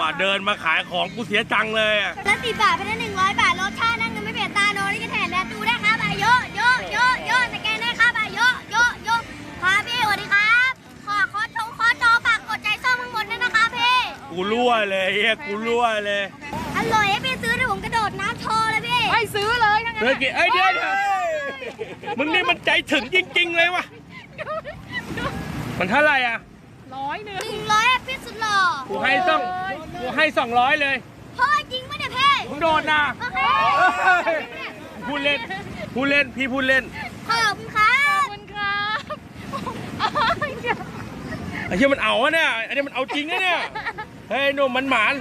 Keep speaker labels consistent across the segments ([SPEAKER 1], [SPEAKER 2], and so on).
[SPEAKER 1] เดินมาขายของกูเสียจังเลยอะ
[SPEAKER 2] แล้ว10 บาทเป็น100 บาทรสชาตินั่งเงินไม่เปลี่ยนตาโนนี่ก็แถมแดดูได้ครับเยอะเยอะเยอะเยอะสแกนได้ครับเยอะเยอะเยอะครับพี่สวัสดีครับขอจอฝากกดใจส้มข้างบนด้วยนะครับพี่
[SPEAKER 1] กูรั่วเลยเฮียกูรั่วเลย
[SPEAKER 2] อร่อยให้พี่ซื้อเดี๋ยวผมกระโดดน้ำโชว์เลยพี่
[SPEAKER 3] ไม่ซื้อเลยทั้งนั้น
[SPEAKER 1] เฮ้ยเอ้ยเดี๋ยวมึงนี่มันใจถึงจริงๆเลยวะมันเท่าไหร่อ่ะ
[SPEAKER 3] 100
[SPEAKER 2] 100พี่สุดหล่อ
[SPEAKER 1] กูให้200เลย
[SPEAKER 2] พ่อจริงไหมเนี่ยพี่
[SPEAKER 1] มึงโดนนะ
[SPEAKER 2] โอเค
[SPEAKER 1] พูดเล่นพี่พูดเล่น
[SPEAKER 2] ขอบคุณครั
[SPEAKER 3] ขอบบ คุณครับ
[SPEAKER 1] ไอ้เหี้ยมันเอาอะเนี่ยอันนี้มันเอาจริงนะเนี่ยเฮ้ยหนุ่มมันหมาน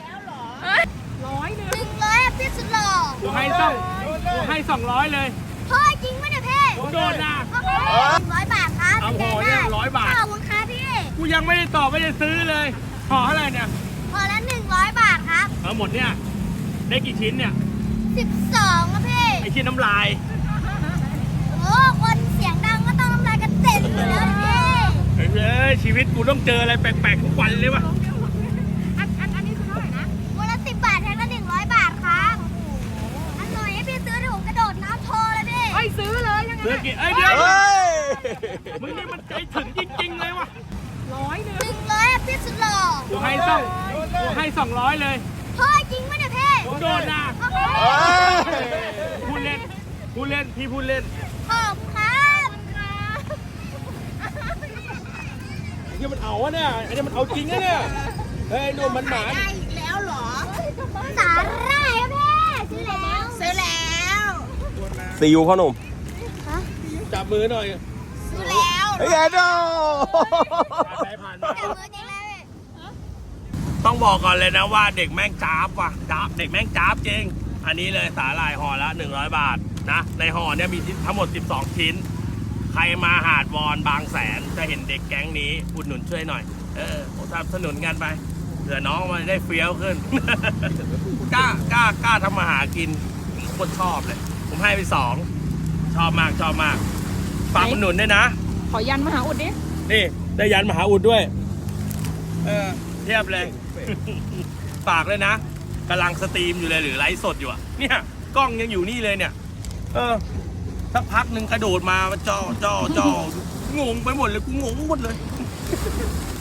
[SPEAKER 2] 100พี่สุดหล่อ
[SPEAKER 1] กูให้200เลย
[SPEAKER 2] พ่อจริงไหมเนี่ยพี่
[SPEAKER 1] มึงโดนนะ
[SPEAKER 2] โอเค100 บาทครับ
[SPEAKER 1] เอาห่อเนี่ย100 บาท
[SPEAKER 2] ขอบคุณครับพี่
[SPEAKER 1] กูยังไม่ได้ตอบไม่ได้ซื้อเลยห่อเท่าไหร่เนี่ย
[SPEAKER 2] พอละ100 บาทครับ
[SPEAKER 1] เอาหมดเนี่ยได้กี่ชิ้นเนี่ย
[SPEAKER 2] 12ครับพี่
[SPEAKER 1] ไอ้ชิ้นน้ำลาย
[SPEAKER 2] โอ้คนเสียงดังก็ต้องน้ำลายกระเด็นอยู่แล้วพี่
[SPEAKER 1] เฮ้ยชีวิตกูต้องเจออะไรแปลกๆทุกวันเลยวะ
[SPEAKER 3] อันนี้คือเท่าไหร่นะ
[SPEAKER 2] วันละ10 บาทแทนละ100 บาทครับอร่อยให้พี่ซื้อเดี๋ยวผมกระโดดน้ำโชว์เลยพี่
[SPEAKER 3] ไม่ซื้อเลยทั้ง
[SPEAKER 1] เดือ
[SPEAKER 3] นั้น
[SPEAKER 1] กี่เอ้ยเดี๋ยวมึงนี่มันใจถึงจริงๆเลยวะ
[SPEAKER 2] 100พี่สุดหล่อ
[SPEAKER 1] กูให้200เลย
[SPEAKER 2] พ่อจริงไหมเนี่ยพี่
[SPEAKER 1] มึงโดนนะ
[SPEAKER 2] โอเค
[SPEAKER 1] พูดเล่นพี่พูดเล่น
[SPEAKER 2] ขอบคุณครับ
[SPEAKER 1] ไอ้เหี้ยมันเอาอะเนี่ยอันนี้มันเอาจริงนะเนี่ยเฮ้ยหนุ่มมันหมาน
[SPEAKER 2] ได้อีกแล้วเหรอสาหร่ายครับพี่ซื้อแล้ว
[SPEAKER 4] ซีอูพ่อหนุ่ม
[SPEAKER 1] จับมือหน่อย
[SPEAKER 2] ซื้อแล้ว
[SPEAKER 4] เฮ้ยแอนโด
[SPEAKER 1] ผ่าน
[SPEAKER 2] เดี๋ยวมือจริงแล้วพี่
[SPEAKER 1] ต้องบอกก่อนเลยนะว่าเด็กแม่งจ้าบว่ะจ้าบเด็กแม่งจ้าบจริงอันนี้เลยสาหร่ายห่อละ100 บาทนะในห่อเนี่ยมีทั้งหมด12 ชิ้นใครมาหาดวอนบางแสนจะเห็นเด็กแก๊งนี้อุดหนุนช่วยหน่อยสนับสนุนกันไปเผื่อน้องมันได้เฟี้ยวขึ้น กล้าทำมาหากินผมโคตรชอบเลย ผมให้ไป2ชอบมากฝากอุดหนุนด้วยนะ
[SPEAKER 3] ขอยันมหาอุดดิ
[SPEAKER 1] นี่ได้ยันมหาอุดด้วยเทียบเลย ฝากเลยนะกำลังสตรีมอยู่เลยหรือไลฟ์สดอยู่อะเนี่ยกล้องยังอยู่นี่เลยเนี่ยสักพักหนึ่งกระโดดมาจ่องงไปหมดเลยกูงงหมดเลย